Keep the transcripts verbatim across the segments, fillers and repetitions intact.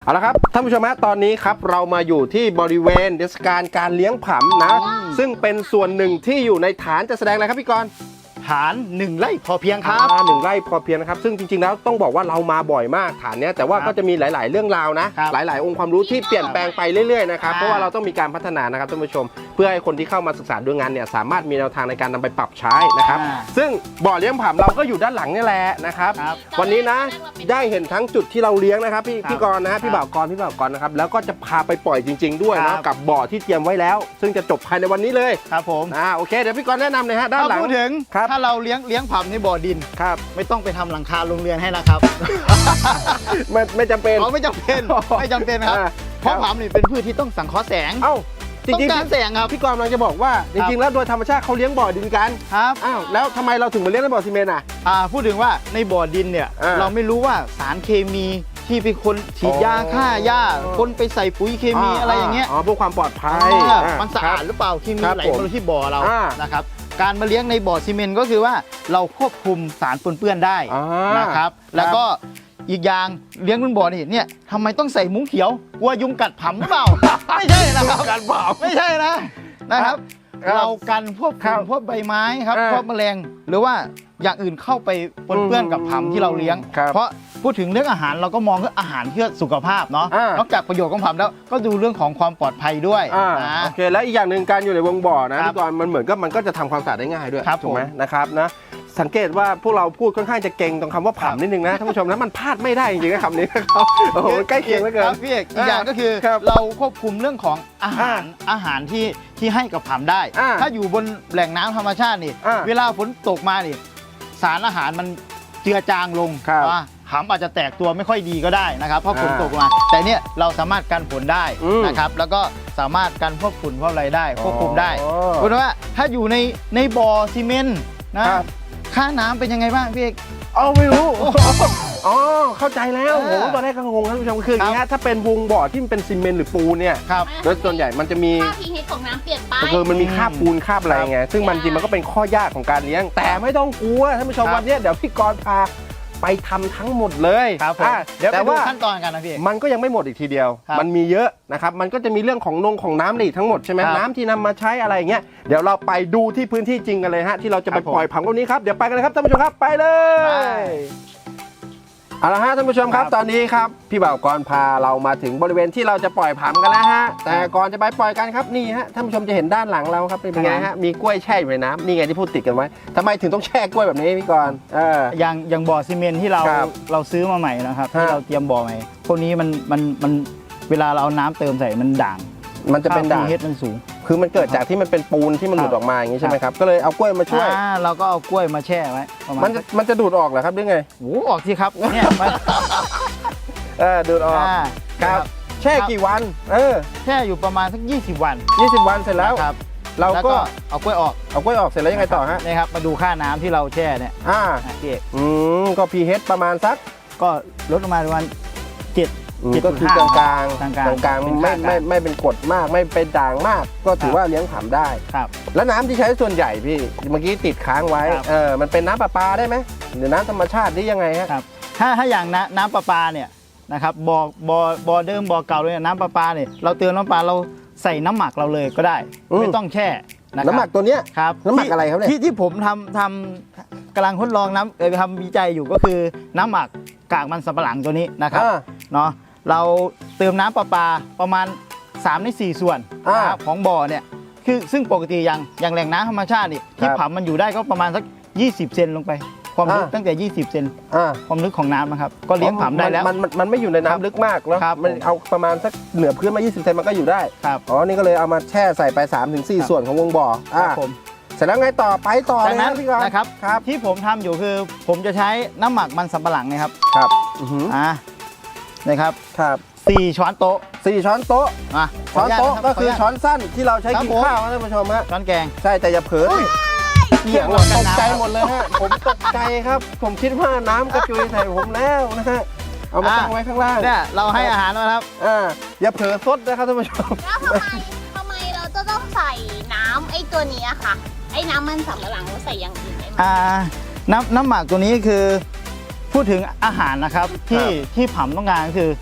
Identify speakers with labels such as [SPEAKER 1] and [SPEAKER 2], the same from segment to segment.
[SPEAKER 1] เอาละครับท่านผู้ชมฮะตอนนี้ครับเรามาอยู่ที่บริเวณเทศกาลการเลี้ยงผำนะซึ่งเป็นส่วนหนึ่งที่อยู่ในฐานจะแสดงอะไรครับพี่กรณ์
[SPEAKER 2] ฐานหนึ่งไร่พอเพียงครับ
[SPEAKER 1] หนึ่งไร่พอเพียงนะครับซึ่งจริงๆแล้วต้องบอกว่าเรามาบ่อยมากฐานเนี้ยแต่ว่าก็จะมีหลายๆเรื่องราวนะหลายๆองค์ความรู้ที่เปลี่ยนแปลงไปเรื่อยๆนะครับเพราะว่าเราต้องมีการพัฒนานะครับท่านผู้ชมเพื่อให้คนที่เข้ามาศึกษาดูงานเนี่ยสามารถมีแนวทางในการนำไปปรับใช้นะครับซึ่งบ่อเลี้ยงผำเราก็อยู่ด้านหลังนี่แหละนะครับวันนี้นะได้เห็นทั้งจุดที่เราเลี้ยงนะครับพี่พี่กรณ์นะพี่บ่าวกรณ์พี่บ่าวกรณ์นะครับแล้วก็จะพาไปปล่อยจริงๆด้วยนะกับบ่อที่เตรียมไว้แล้วซึ่งจะจบภายในวันนี้เลย
[SPEAKER 2] ครับผม
[SPEAKER 1] อ่าโอเคเดี๋ยวพี่กรณ์แนะนำเลยฮะด้านหลัง
[SPEAKER 2] พูดถึงถ้าเราเลี้ยงเลี้ยงผำในบ่อดิน
[SPEAKER 1] ครับ
[SPEAKER 2] ไม่ต้องไปทำหลังคาโรงเรียนให้นะครับ
[SPEAKER 1] ไม่ไม่จำเป็น
[SPEAKER 2] อ๋อไม่จำเป็นไม่จำเป็นครับเพราะผำนี่เป็นพืชที่ต้องสังเคราะห์แสง
[SPEAKER 1] เอ้าจริงๆ
[SPEAKER 2] การแสงครับ
[SPEAKER 1] พี่กรณ์กำลังจะบอกว่าจริงๆแล้วโดยธรรมชาติเขาเลี้ยงบ่อดินกัน
[SPEAKER 2] ครับ
[SPEAKER 1] อ้าวแล้วทำไมเราถึงมาเลี้ยงในบ่อซีเมนต์อ่ะ
[SPEAKER 2] อ่าพูดถึงว่าในบ่อดินเนี่ยเราไม่รู้ว่าสารเคมีที่เป็นคนฉีดยาฆ่าหญ้าคนไปใส่ปุ๋ยเคมีอะไรอย่างเงี้ย
[SPEAKER 1] อ๋อเพื่อความปลอดภัย
[SPEAKER 2] มันสะอาดหรือเปล่าที่มีไหลมาที่บ่อเรานะครับการมาเลี้ยงในบ่อซีเมนต์ก็คือว่าเราควบคุมสารปนเปื้อนได้นะครับแล้วก็อีกอย่างเลี้ยงบนบ่อนี่เนี่ยทำไมต้องใส่มุ้งเขียวกลัวยุงกัดผำหรือเปล่าไม่ใช่นะครับ
[SPEAKER 1] การผำ
[SPEAKER 2] ไม่ใช่นะนะครับเรากันพวกฝุ่นพวกใบไม้ครับพวกแมลงหรือว่าอย่างอื่นเข้าไปปนเปื้อนกับผำที่เราเลี้ยงเพราะพูดถึงเรื่องอาหารเราก็มองเรื่องอาหารเพื่อสุขภาพเนาะนอกจากประโยชน์ของผำแล้วก็ดูเรื่องของความปลอดภัยด้วย
[SPEAKER 1] โอเคแล้วอีกอย่างหนึ่งการอยู่ในวงบ่อนะพี่กรณ์มันเหมือนกับมันก็จะทำความสะอาดได้ง่ายด้วยถูกไหมนะครับนะสังเกตว่าพวกเราพูดค่อนข้างจะเก่งตรงคำว่าผำนิดนึงนะท่านผู้ชมนะมันพลาดไม่ได้จริงๆนะคำนี้นะครับโอ้โหใกล้เคียงเหลือเกิน
[SPEAKER 2] พี่เอกอีกอย่างก็คือเราควบคุมเรื่องของอาหารอาหารที่ที่ให้กับผำได้ถ้าอยู่บนแหล่งน้ำธรรมชาตินี่เวลาฝนตกมานี่สารอาหารมันเจือจางลงว่าผำอาจจะแตกตัวไม่ค่อยดีก็ได้นะครับเพราะฝนตกมาแต่เนี่ยเราสามารถกันฝนได้นะครับแล้วก็สามารถกันพวกฝุ่นพวกอะไรได้ควบคุมได้เพราะว่าถ้าอยู่ในในบ่อซีเมนต์นะค่าน้ำเป็นยังไงบ้างพี่เอก
[SPEAKER 1] เอาไม่รู้อ๋อเข้าใจแล้วโหตอนแรกก็งงท่านผู้ชมคืออย่างนี้ถ้าเป็นวงบ่อที่มันเป็นซีเมนต์หรือปูนเนี่ยโดยส่วนใหญ่มันจะมี
[SPEAKER 3] ค่า พี เอช ของน้ำเปลี่ยนไป
[SPEAKER 1] คือมันมีคราบปูนคราบอะไรไงซึ่งมันจริงมันก็เป็นข้อยากของการเลี้ยงแต่ไม่ต้องกลัวท่านผู้ชมวันนี้เดี๋ยวพี่กรณ์พาไปทำทั้งหมดเลย
[SPEAKER 2] ครับเดี๋ยวไปดูขั้นตอนกันนะพี่
[SPEAKER 1] มันก็ยังไม่หมดอีกทีเดียวมันมีเยอะนะครับมันก็จะมีเรื่องของนงของน้ำอีกทั้งหมดใช่ไหมน้ำที่นำมาใช้อะไรเงี้ยเดี๋ยวเราไปดูที่พื้นที่จริงกันเลยฮะที่เราจะไปปล่อยผำตรงนี้ครับเดี๋ยวไปกันเลยครับท่านผู้ชมครับไปเลยเอาละฮะท่านผู้ชมครับตอนนี้ครับพี่บ่าวกรณ์พาเรามาถึงบริเวณที่เราจะปล่อยผำกันแล้วฮะแต่ก่อนจะไปปล่อยกันครับนี่ฮะท่านผู้ชมจะเห็นด้านหลังเราครับเป็นไงฮะมีกล้วยแช่อยู่ในน้ำนี่ไงที่พูดติดกันไว้ทำไมถึงต้องแช่กล้วยแบบนี้พี่กรณ์เออ
[SPEAKER 2] อย่างอย่างบ่อซีเมนต์ที่เราเราซื้อมาใหม่นะครับที่เราเตรียมบ่อใหม่พวกนี้มันมันมันเวลาเราเอาน้ำเติมใส่มันด่าง
[SPEAKER 1] มันจะเป็นด่าง
[SPEAKER 2] เฮดมันสูง
[SPEAKER 1] คือมันเกิดจากที่มันเป็นปูนที่มันหลุดออกมาอย่างนี้ใช่ไหมครับก็เลยเอากล้วยมาช่วย
[SPEAKER 2] เราก็เอากล้วยมาแช่ไว้
[SPEAKER 1] มันจะมันจะดูดออกเหรอครับหรือไง
[SPEAKER 2] โอ้ออกสิครับเนี่ย
[SPEAKER 1] เออดูดออกครับแช่กี่วันเออ
[SPEAKER 2] แช่อยู่ประมาณสักยี่สิบวัน
[SPEAKER 1] ยี่สิบวันเสร็จแล้ว
[SPEAKER 2] ครับ
[SPEAKER 1] เราก็
[SPEAKER 2] เอากล้วยออก
[SPEAKER 1] เอากล้วยออกเสร็จแล้วยังไงต่อฮะ
[SPEAKER 2] นี่ครับมาดูค่าน้ำที่เราแช่เนี่ย
[SPEAKER 1] อ่าอืมก็ พี เอช ประมาณสัก
[SPEAKER 2] ก็ลดลงมาประมาณเจ็ด
[SPEAKER 1] ก็คือกลางกลางกลางกลางไม่ไม่ไม่เป็นกรดมากไม่เป็นด่างมากก็ถือว่าเลี้ยงผำได้
[SPEAKER 2] ครับ
[SPEAKER 1] แล้วน้ำที่ใช้ส่วนใหญ่พี่เมื่อกี้ติดค้างไว้เออมันเป็นน้ำประปาได้ไหมหรือน้ำธรรมชาติหรือยังไงฮะ
[SPEAKER 2] ครับถ้าถ้าอย่างน้ำน้ำประปาเนี่ยนะครับบ่อบ่อบ่อเดิมบ่อเก่าเลยน้ำประปาเนี่ยเราเติมน้ำปลาเราใส่น้ำหมักเราเลยก็ได้ไม่ต้องแช่
[SPEAKER 1] น้ำหมักตัวเนี้ย
[SPEAKER 2] ครับ
[SPEAKER 1] น้ำหมักอะไรครับเนี่ย
[SPEAKER 2] ที่ที่ผมทำทำกำลังทดลองน้ำเออทำวิจัยอยู่ก็คือน้ำหมักกากมันสำปะหลังตัวนี้นะครับเนาะเราเติมน้ำประปาประมาณสามในสี่ส่วนของบ่อเนี่ยคือซึ่งปกติอย่างอย่างแหล่งน้ำธรรมชาตินี่ที่ผำมันอยู่ได้ก็ประมาณสักยี่สิบเซนลงไปความลึกตั้งแต่ยี่สิบเซนความลึกของน้ำนะครับก็เลี้ยงผำได้แล้ว
[SPEAKER 1] มันมันไม่อยู่ในน้ำลึกมากแล้วมันเอาประมาณสักเหนือพื้นมายี่สิบเซนมันก็อยู่ได้อ๋อนี่ก็เลยเอามาแช่ใส่ไปสามถึงสี่ส่วนของวงบ่อผมเสร็จแล้วไงต่อไปต่อเลยนะพี่กรณ์
[SPEAKER 2] นะครับที่ผมทำอยู่คือผมจะใช้น้ำหมักมันสำปะหลังนะครับ
[SPEAKER 1] ครับ
[SPEAKER 2] อ่านะครับ
[SPEAKER 1] ครับ
[SPEAKER 2] สี่ช้อนโต๊ะ
[SPEAKER 1] สี่ช้อนโต๊ะ
[SPEAKER 2] อ่ะ
[SPEAKER 1] ช้อนโต๊ะก็คือช้อนสั้นที่เราใช้กินข้าวนะท่านผู้ชมฮะ
[SPEAKER 2] ช้อนแกง
[SPEAKER 1] ใช่แต่อย่าเผลอเกี่ยงตกใจหมดเลยฮะผมตกใจครับผมคิดว่าน้ำกระจุยใส่ผมแล้วนะฮะเอามาตั้งไว้ข้างล่าง
[SPEAKER 2] เนี่ยเราให้อาหารนะครับ
[SPEAKER 1] อ่าอย่าเผลอซดนะครับท่านผู้ชม
[SPEAKER 3] แล้วทำไมทำไมเราจะต้องใส่น้ำไอ้ตัวนี้ค่ะไอ้น้ำมันสำปะหลังเราใส่อย่างอื่นได้ไหม
[SPEAKER 2] อ่าน้ำน้ำหมักตัวนี้คือพูดถึงอาหารนะครับที่ที่ผำต้องการคือ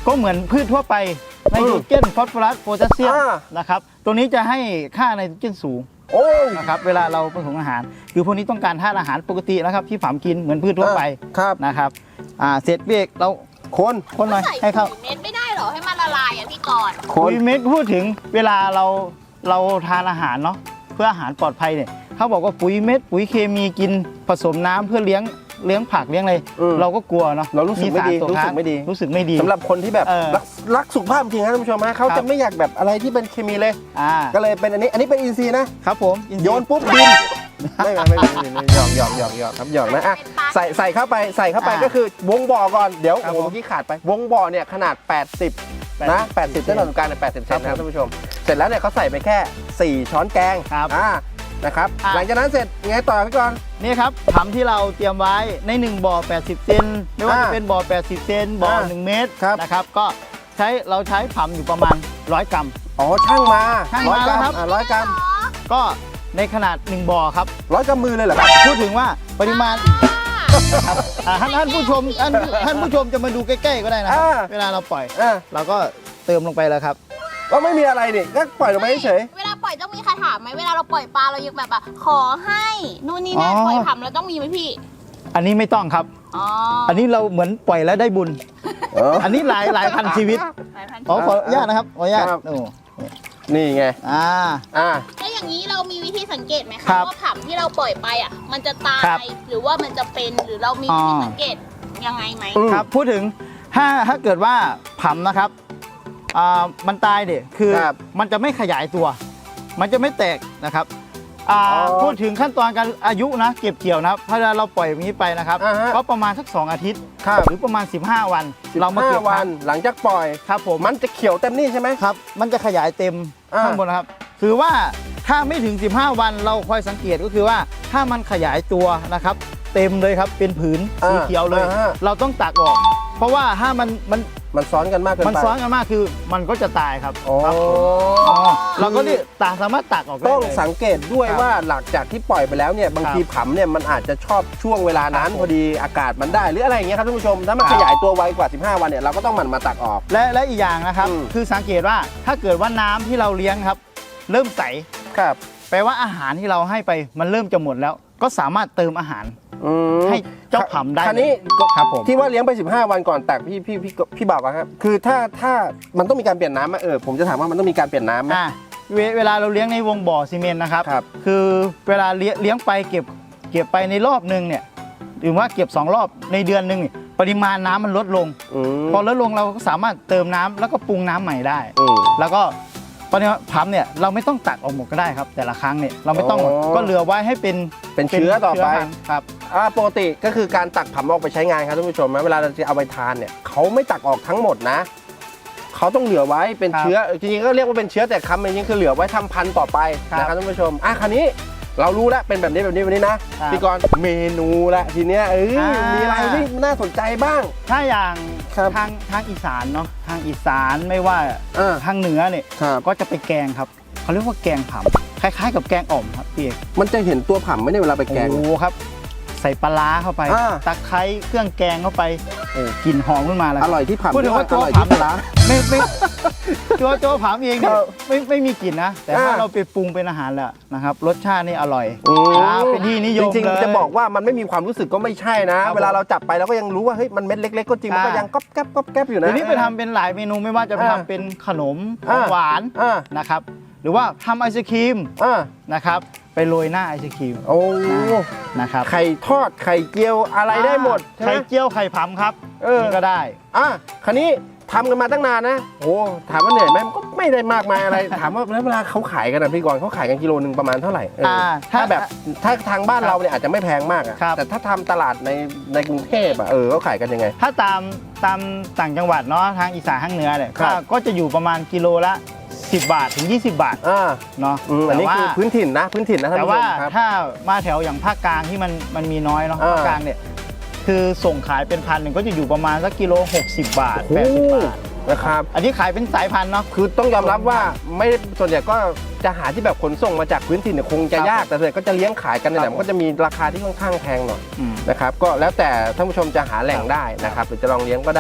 [SPEAKER 2] ก็เหมือนพืชทั่วไปไนโตรเจนฟอสฟอรัสโพแทสเซียม
[SPEAKER 1] อ่า
[SPEAKER 2] นะครับตัวนี้จะให้ค่าไนโตรเจนสูง
[SPEAKER 1] โอ้
[SPEAKER 2] นะครับเวลาเราผสมอาหารคือพวกนี้ต้องการธาตุอาหารปกตินะครับที่ฝามกินเหมือนพืชทั่วไป
[SPEAKER 1] ครับ
[SPEAKER 2] นะครับอ่าเสร็จเบรกเรา
[SPEAKER 1] คน
[SPEAKER 2] คนหน่อย
[SPEAKER 3] ใส่
[SPEAKER 2] ให้เข้า
[SPEAKER 3] ปุ๋ยเม็ดไม่ได้เหรอให้มันละลายอ่ะพี่กรณ์
[SPEAKER 1] คน
[SPEAKER 2] ปุ๋ยเม็ดพูดถึงเวลาเราเราทานอาหารเนาะเพื่ออาหารปลอดภัยเนี่ยเขาบอกว่าปุ๋ยเม็ดปุ๋ยเคมีกินผสมน้ำเพื่อเลี้ยงเลี้ยงผักเลี้ยงอะไร
[SPEAKER 1] อืม
[SPEAKER 2] เราก็กลัวเนาะ
[SPEAKER 1] เรารู้สึกไม่ดี
[SPEAKER 2] สารต
[SPEAKER 1] รู้สึก
[SPEAKER 2] ค้าง
[SPEAKER 1] ไม่ดี
[SPEAKER 2] รู้สึกไม่ดี
[SPEAKER 1] สำหรับคนที่แบบ
[SPEAKER 2] เออ
[SPEAKER 1] รักรักสุขภาพจริงครับท่านผู้ชมฮะเขา
[SPEAKER 2] ครั
[SPEAKER 1] จะ
[SPEAKER 2] บ
[SPEAKER 1] ไม่อยากแบบอะไรที่เป็นเคมีเลย
[SPEAKER 2] อ่า
[SPEAKER 1] ก็เลยเป็นอันนี้อันนี้เป็นอินทรีย์นะครับ
[SPEAKER 2] ผมอิทรี
[SPEAKER 1] โยนปุ๊บบินไม่ไม่ไม่ไม่ไม่หยอกหยอกหยอกหยอกครับหยอกนะอ่ะใส่ใส่เข้าไปใส่เข้าไป
[SPEAKER 2] อ่า
[SPEAKER 1] ก็คือวงบ่อก่อนเดี๋ยว
[SPEAKER 2] ครับ
[SPEAKER 1] โอ้โห
[SPEAKER 2] ผม
[SPEAKER 1] เมื่อกี้ขาดไป วงบ่อเนี่ยขนาด แปดสิบ นะแปดสิบเส้นผ่านศูนย์กลางเนี่ยแปดสิบเซนนะครับ
[SPEAKER 2] ครับผม
[SPEAKER 1] ท่านผู้ชม เสร็จแล้วเนี่ยเขาใส่ไปแค่ สี่ ช้อนแกง
[SPEAKER 2] ครับ
[SPEAKER 1] อ่านะครับ
[SPEAKER 2] อ่ะ
[SPEAKER 1] หลังจากนั้นเสร็จไงต่อพี่กรณ์
[SPEAKER 2] นี่ครับผำที่เราเตรียมไว้ในหนึ่งบ่อแปดสิบเซนไม่ว่า
[SPEAKER 1] อ่า
[SPEAKER 2] จะเป็นบ่อแปดสิบเซนบ่อ
[SPEAKER 1] อ่า
[SPEAKER 2] หนึ่งเมตร
[SPEAKER 1] ครับ
[SPEAKER 2] นะครับก็ใช้เราใช้ผำอยู่ประมาณร้อยกรัม
[SPEAKER 1] อ๋อช่างมา
[SPEAKER 2] ช่าง
[SPEAKER 1] ร้อย
[SPEAKER 2] มาก
[SPEAKER 1] รัม
[SPEAKER 2] แล้วครับ
[SPEAKER 1] อ่ะร้อยกรัม
[SPEAKER 2] ก็ในขนาดหนึ่งบ่อครับ
[SPEAKER 1] ร้อยกรัมมือเลยเหรอครับ
[SPEAKER 2] พูดถึงว่าปริมาณครับอ่าท่านท่านผู้ชมท่านท่านผู้ชมจะมาดูใกล้ๆก็ได้นะครับ
[SPEAKER 1] อ่า
[SPEAKER 2] เวลาเราปล่อย
[SPEAKER 1] อ่ะ
[SPEAKER 2] เราก็เติมลงไปแล้วครับ
[SPEAKER 1] ก็ไม่มีอะไรนี่ก็ปล่อยลงไปเฉย
[SPEAKER 3] เวลาปล่อยต้องมีใครถามไหมเวลาเราปล่อยปลาเรายังแบบอ่ะขอให้นู่นนี่นั่น
[SPEAKER 2] อ๋อ
[SPEAKER 3] ปล่อยผำเราต้องมีไหมพี่
[SPEAKER 2] อันนี้ไม่ต้องครับ
[SPEAKER 3] อ๋อ
[SPEAKER 2] อันนี้เราเหมือนปล่อยแล้วได้บุญ
[SPEAKER 1] ๆเออ
[SPEAKER 2] อันนี้หลายหลายพันชีวิต
[SPEAKER 3] หลายพัน
[SPEAKER 2] อ๋อขออนุญาตนะครับขออนุญาต
[SPEAKER 1] ครับ
[SPEAKER 2] โอ้
[SPEAKER 1] นี่ไง
[SPEAKER 2] อ่า
[SPEAKER 1] อ่า
[SPEAKER 3] แล้วอย่างนี้เรามีวิธีสังเกตไหม
[SPEAKER 2] ค
[SPEAKER 3] คะ
[SPEAKER 2] รับ
[SPEAKER 3] ว่าผำที่เราปล่อยไปอ่ะ มันจะตา
[SPEAKER 2] ครับ
[SPEAKER 3] ยหรือว่ามันจะเป็นหรือเรามีวิธีสังเกตยังไงไหม
[SPEAKER 1] อืม
[SPEAKER 2] ครับพูดถึงถ้าถ้าเกิดว่าผำนะครับอ่ามันตายเด็คือ
[SPEAKER 1] ครับ
[SPEAKER 2] มันจะไม่ขยายตัว มันจะไม่แตกนะครับอ่า
[SPEAKER 1] อ๋อ
[SPEAKER 2] พูดถึงขั้นตอนการอายุนะเก็บเกี่ยวนะครับถ้าเราปล่อยอย่างนี้ไปนะครับ
[SPEAKER 1] อ่าฮะ
[SPEAKER 2] ก็ประมาณสักสองอาทิตย์
[SPEAKER 1] ครับ
[SPEAKER 2] หรือประมาณสิบห้าวัน เรามาเก็บ
[SPEAKER 1] สิบห้วันหลังจากปล่อย
[SPEAKER 2] ครับผม
[SPEAKER 1] มันจะเขียวเต็มนี่ใช่ไหม
[SPEAKER 2] ครับมันจะขยายเต็ม
[SPEAKER 1] อ่า
[SPEAKER 2] ข้างบนนะครับถือว่าถ้าไม่ถึงสิบห้าวันเราคอยสังเกตก็คือว่าถ้ามันขยายตัวนะครับ เต็มเลยครับเป็นผืนสีเขียวเลย
[SPEAKER 1] อ่าฮะ
[SPEAKER 2] เราต้องตักออก เพราะว่าถ้ามันมัน
[SPEAKER 1] มันซ้อนกันมากเกินไป
[SPEAKER 2] มันซ้อนกันมากคือมันก็จะตายครับ
[SPEAKER 1] โอ้
[SPEAKER 2] ครับผมอ๋อเราก็นี่ตาสามารถตักออกได้
[SPEAKER 1] ต้อง
[SPEAKER 2] เลย
[SPEAKER 1] สังเกตด้วย
[SPEAKER 2] ครับ
[SPEAKER 1] ว่าหลังจากที่ปล่อยไปแล้วเนี่ยบาง
[SPEAKER 2] ครับ
[SPEAKER 1] ทีผำเนี่ยมันอาจจะชอบช่วงเวลานั้น
[SPEAKER 2] ครับผม
[SPEAKER 1] พอดีอากาศมันได้หรืออะไรอย่างเงี้ยครับท่านผู้ชมถ้ามัน
[SPEAKER 2] ครับ
[SPEAKER 1] ขยายตัวไวกว่าสิบห้าวันเนี่ยเราก็ต้องหมั่นมาตักออก
[SPEAKER 2] และและอีกอย่างนะครับ
[SPEAKER 1] อืม
[SPEAKER 2] คือสังเกตว่าถ้าเกิดว่าน้ำที่เราเลี้ยงครับ เริ่มใส
[SPEAKER 1] ครับ
[SPEAKER 2] แปลว่าอาหารที่เราให้ไปมันเริ่มจะหมดแล้ว ก็สามารถเติมอาหาร
[SPEAKER 1] อืม
[SPEAKER 2] ให้เจ้าผำได้
[SPEAKER 1] คราวนี้
[SPEAKER 2] ครับผม
[SPEAKER 1] ที่ว่าเลี้ยงไปสิบห้าวันก่อนตักพี่พี่พี่พี่บอกอะครับคือถ้าถ้ามันต้องมีการเปลี่ยนน้ำไหมเออผมจะถามว่ามันต้องมีการเปลี่ยนน้ำไหม
[SPEAKER 2] อ่าเวเวลาเราเลี้ยงในวงบ่อซีเมนต์นะครับ
[SPEAKER 1] ครับ
[SPEAKER 2] คือเวลาเลี้ยงเลี้ยงไปเก็บเก็บไปในรอบหนึ่งเนี่ยหรือว่าเก็บสองรอบในเดือนหนึ่งเนี่ยปริมาณน้ำมันลดลง
[SPEAKER 1] อืม
[SPEAKER 2] พอลดลงเราก็สามารถเติมน้ำแล้วก็ปรุงน้ำใหม่ได้
[SPEAKER 1] อืม
[SPEAKER 2] แล้วก็ตอนนี้พัมเนี่ยเราไม่ต้องตักออกหมดก็ได้ครับ แต่ละครั้งเนี่ยเราไม่ต้องหมด
[SPEAKER 1] อ๋อ
[SPEAKER 2] ก็เหลือไว้ให้เป็น
[SPEAKER 1] เป็นเชื้อต่อไป
[SPEAKER 2] พันธุ์ครับ
[SPEAKER 1] อ่าปกติก็คือการตักผำออกไปใช้งานครับท่านผู้ชมนะเวลาเราจะเอาไปทานเนี่ยเขาไม่ตักออกทั้งหมดนะเขาต้องเหลือไว้เป็น
[SPEAKER 2] ครับ
[SPEAKER 1] เชื้อจริงๆก็เรียกว่าเป็นเชื้อแต่คำจริงๆคือเหลือไว้ทำพันธุ์ต่อไป
[SPEAKER 2] ครับ
[SPEAKER 1] นะครับท่านผู้ชมอ่ะคราวนี้เรารู้แล้วเป็นแบบนี้แบบนี้แบบนี้นะครับ พี่กรณ์เมนูละทีเนี้ยเอ้ย
[SPEAKER 2] อ่ามี
[SPEAKER 1] มีอะไรที่น่าสนใจบ้าง
[SPEAKER 2] ถ้าอย่าง
[SPEAKER 1] ครับ
[SPEAKER 2] ทางทางอีสานเนาะทางอีสานไม่ว่า
[SPEAKER 1] อ่า
[SPEAKER 2] ทางเหนือเนี่ย
[SPEAKER 1] ครับ
[SPEAKER 2] ก็จะไปแกงครับเขาเรียกว่าแกงผำคล้ายๆ กับแกงอ่อมครับพี่เอก
[SPEAKER 1] มันจะเห็นตัวผำไหมเนี่ยเวลาไปแกง
[SPEAKER 2] โอ้โหครับ ใส่ปลาร้าเข้าไป
[SPEAKER 1] อ่า
[SPEAKER 2] ตะไคร้เครื่องแกงเข้าไปโอ้กลิ่นหอมขึ้นมาแล้ว
[SPEAKER 1] อร่อยที่ผำ
[SPEAKER 2] พูดถึงว่า
[SPEAKER 1] อ
[SPEAKER 2] ตัว
[SPEAKER 1] ร่อย
[SPEAKER 2] ผ
[SPEAKER 1] ที่ปลาร้า
[SPEAKER 2] ำไม่ไม่ตัวตัวผำเองเนี่ย
[SPEAKER 1] ครับ
[SPEAKER 2] ไม่ไม่มีกลิ่นนะ แต่ถ้า
[SPEAKER 1] อ่า
[SPEAKER 2] เราไปปรุงเป็นอาหารแล้วนะครับ รสชาตินี่อร่อย
[SPEAKER 1] อืม
[SPEAKER 2] อ่าเป็นที่นิยม
[SPEAKER 1] จริง
[SPEAKER 2] เลย
[SPEAKER 1] ๆจะบอกว่ามันไม่มีความรู้สึกก็ไม่ใช่นะ
[SPEAKER 2] ครับ
[SPEAKER 1] เวลาเราจับไปเราก็ยังรู้ว่าเฮ้ยมันเม็ดเล็ก ๆ ก็จริงมันก็
[SPEAKER 2] อ่ายั
[SPEAKER 1] ยังก๊อบแก๊บก๊อบแก๊บอยู่นะ
[SPEAKER 2] เดี๋ยวนี้ไปทำเป็นหลายเมนูไม่ว่าจะไป
[SPEAKER 1] อ่า
[SPEAKER 2] ทำเป็นขนมข
[SPEAKER 1] อ่า
[SPEAKER 2] องหวาน
[SPEAKER 1] อ่า
[SPEAKER 2] นะครับ หรือว่าทำไอศครีม
[SPEAKER 1] อ่า
[SPEAKER 2] นะครับ ไปโรยหน้าไอศครีม
[SPEAKER 1] โอ้
[SPEAKER 2] นะครับ
[SPEAKER 1] ไข่ทอดไข่เจียวอะไรได้หมดใช่ไหม
[SPEAKER 2] ไข่เจียวไข่ผำครับ
[SPEAKER 1] เออ
[SPEAKER 2] นี่ก็ได้
[SPEAKER 1] อ่ะคราวนี้ทำกันมาตั้งนานนะโอ้ถามว่าเหนื่อยไหมมันก็ไม่ได้มากมายอะไร ถามว่าแล้วเวลาเขาขายกันนะพี่กรณ์เขาขายกันกิโลหนึ่งประมาณเท่าไหร่เอออา ถ้า
[SPEAKER 2] ถ้า
[SPEAKER 1] แบบถ้าทางบ้านเราเนี่ยอาจจะไม่แพงมากอะ
[SPEAKER 2] ครับ
[SPEAKER 1] แต่ถ้าทำตลาดในในกรุงเทพอะเออเขาขายกันยังไง
[SPEAKER 2] ถ้าตามตามต่างจังหวัดเนาะทางอีสานทางเหนือเนี่ย
[SPEAKER 1] ครับ
[SPEAKER 2] ก็ก็จะอยู่ประมาณกิโลละสิบบาทถึงยี่สิบบาท
[SPEAKER 1] อ่า
[SPEAKER 2] เนาะ
[SPEAKER 1] อืมอันนี้
[SPEAKER 2] แต่ว่า
[SPEAKER 1] คือพื้นถิ่นนะพื้นถิ่นนะท่าน
[SPEAKER 2] แต่
[SPEAKER 1] ผู้ช
[SPEAKER 2] ว่าม
[SPEAKER 1] ครับ
[SPEAKER 2] ถ้ามาแถวอย่างภาคกลางที่มันมันมีน้อยเนาะ
[SPEAKER 1] อ่า
[SPEAKER 2] ภาคกลางเนี่ยคือส่งขายเป็นพันหนึ่งก็จะอยู่ประมาณสักกิโลหกสิบบาท
[SPEAKER 1] โอ้
[SPEAKER 2] แปดสิบบาท
[SPEAKER 1] นะครับ
[SPEAKER 2] อันนี้ขายเป็นสายพันธุ์เนาะ
[SPEAKER 1] คือต้องยอมรับว่าไม่ส่วนใหญ่ก็จะหาที่แบบขนส่งมาจากพื้นถิ่นเนี่ยคงจะ
[SPEAKER 2] ครับ
[SPEAKER 1] ยากแต่ส่วนใหญ่ก็จะเลี้ยงขายกันใน
[SPEAKER 2] ค
[SPEAKER 1] แห
[SPEAKER 2] รั
[SPEAKER 1] ละ
[SPEAKER 2] บ
[SPEAKER 1] มันก็จะมีราคาที่ค่อนข้างแพงหน่อย
[SPEAKER 2] อืม
[SPEAKER 1] นะครับก็แล้วแต่ท่านผู้ชมจะหาแหล่งได้นะครับหรือจะลองเลี้ยงก็ได้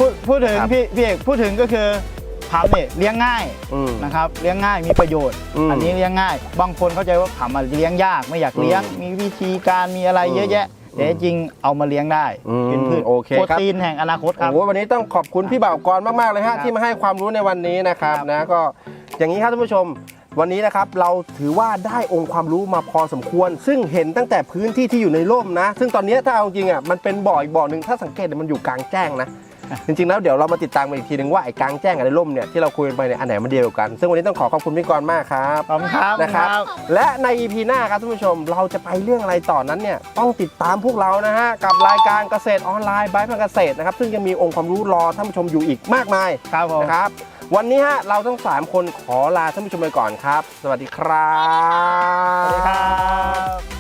[SPEAKER 2] พูดพูดถึง
[SPEAKER 1] ครับ
[SPEAKER 2] พี่พี่เอกพูดถึงก็คือผำเนี่ยเลี้ยงง่าย
[SPEAKER 1] อืม
[SPEAKER 2] นะครับเลี้ยงง่ายมีประโยชน์
[SPEAKER 1] อืม
[SPEAKER 2] อันนี้เลี้ยงง่าย บางคนเข้าใจว่าผำอะเลี้ยงยากไม่อยากเลี้ยง
[SPEAKER 1] อืม
[SPEAKER 2] มีวิธีการมีอะไรเยอะแยะ แต่จริงเอามาเลี้ยงได้
[SPEAKER 1] อืม
[SPEAKER 2] เป็นพืช
[SPEAKER 1] โอเค
[SPEAKER 2] โปร
[SPEAKER 1] ครับ
[SPEAKER 2] ตีนแห่งอนาคตครับ
[SPEAKER 1] โอ้โหวันนี้ต้องขอบคุณพี่บ่าวกรมากๆเลย
[SPEAKER 2] ครั
[SPEAKER 1] ฮะ
[SPEAKER 2] บ
[SPEAKER 1] ที่มาให้ความรู้ในวันนี้นะครับ
[SPEAKER 2] ครับ
[SPEAKER 1] นะก็อย่างนี้ครับท่านผู้ชม วันนี้นะครับเราถือว่าได้องค์ความรู้มาพอสมควร ซึ่งเห็นตั้งแต่พื้นที่ที่อยู่ในร่มนะ ซึ่งตอนนี้ถ้าเอาจริงอ่ะมันเป็นบ่ออีกบ่อหนึ่งถ้าสังเกตเนี่ยมันอยู่กลางแจ้งนะ จริงๆแล้วเดี๋ยวเรามาติดตามกันอีกทีหนึ่งว่าไอ้กลางแจ้งกับในร่มเนี่ยที่เราคุยกันไปเนี่ยอันไหนมันเดียวกัน ซึ่งวันนี้ต้องขอขอบคุณพี่กรมากครับ
[SPEAKER 2] ขอบคุณครับ
[SPEAKER 1] นะครับ
[SPEAKER 2] ครับ
[SPEAKER 1] และใน อี พี หน้าครับท่านผู้ชมเราจะไปเรื่องอะไรต่อนั้นเนี่ยต้องติดตามพวกเรานะฮะกับรายการเกษตรออนไลน์บายพันเกษตรนะครับซึ่งยังมีองค์ความรู้รอท่านผู้ชมอยู่อีกมากมาย
[SPEAKER 2] ครับผม
[SPEAKER 1] นะครับวันนี้ฮะเราทั้งสามคนขอลาท่านผู้ชมไปก่อนครับ สวัสดีครับ
[SPEAKER 2] สวัสดีครับ